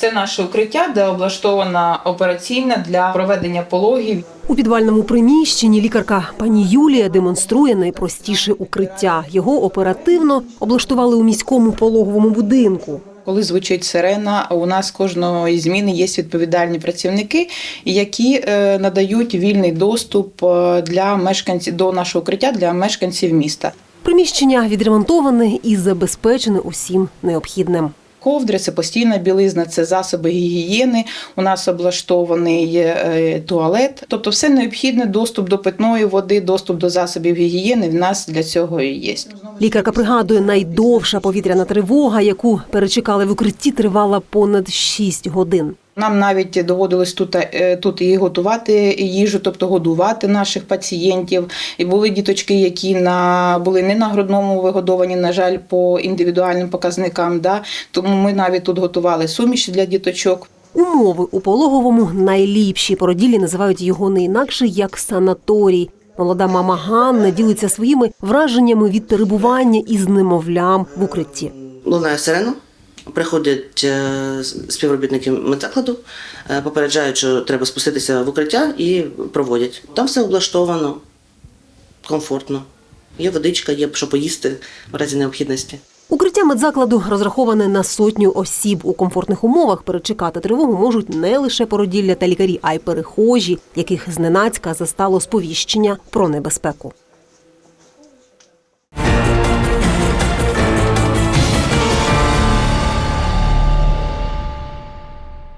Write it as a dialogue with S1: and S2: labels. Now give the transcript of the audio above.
S1: Це наше укриття, де облаштована операційна для проведення пологів.
S2: У підвальному приміщенні лікарка пані Юлія демонструє найпростіше укриття. Його оперативно облаштували у міському пологовому будинку.
S1: Коли звучить сирена, у нас кожної зміни є відповідальні працівники, які надають вільний доступ для мешканців до нашого укриття для мешканців міста.
S2: Приміщення відремонтоване і забезпечене усім необхідним.
S1: Ковдри – це постійна білизна, це засоби гігієни, у нас облаштований туалет. Тобто все необхідне, доступ до питної води, доступ до засобів гігієни в нас для цього і є.
S2: Лікарка пригадує, найдовша повітряна тривога, яку перечекали в укритті, тривала понад 6 годин.
S1: Нам навіть доводилось тут і готувати їжу, тобто годувати наших пацієнтів. І були діточки, які були не на грудному вигодовані, на жаль, по індивідуальним показникам. Тому ми навіть тут готували суміші для діточок.
S2: Умови у пологовому найліпші. Породіллі називають його не інакше, як санаторій. Молода мама Ганна ділиться своїми враженнями від перебування із немовлям в укритті.
S3: Лунає сирена. Приходять співробітники медзакладу, попереджають, що треба спуститися в укриття і проводять. Там все облаштовано, комфортно. Є водичка, є що поїсти в разі необхідності.
S2: Укриття медзакладу розраховане на 100 осіб. У комфортних умовах перечекати тривогу можуть не лише породілля та лікарі, а й перехожі, яких зненацька застало сповіщення про небезпеку.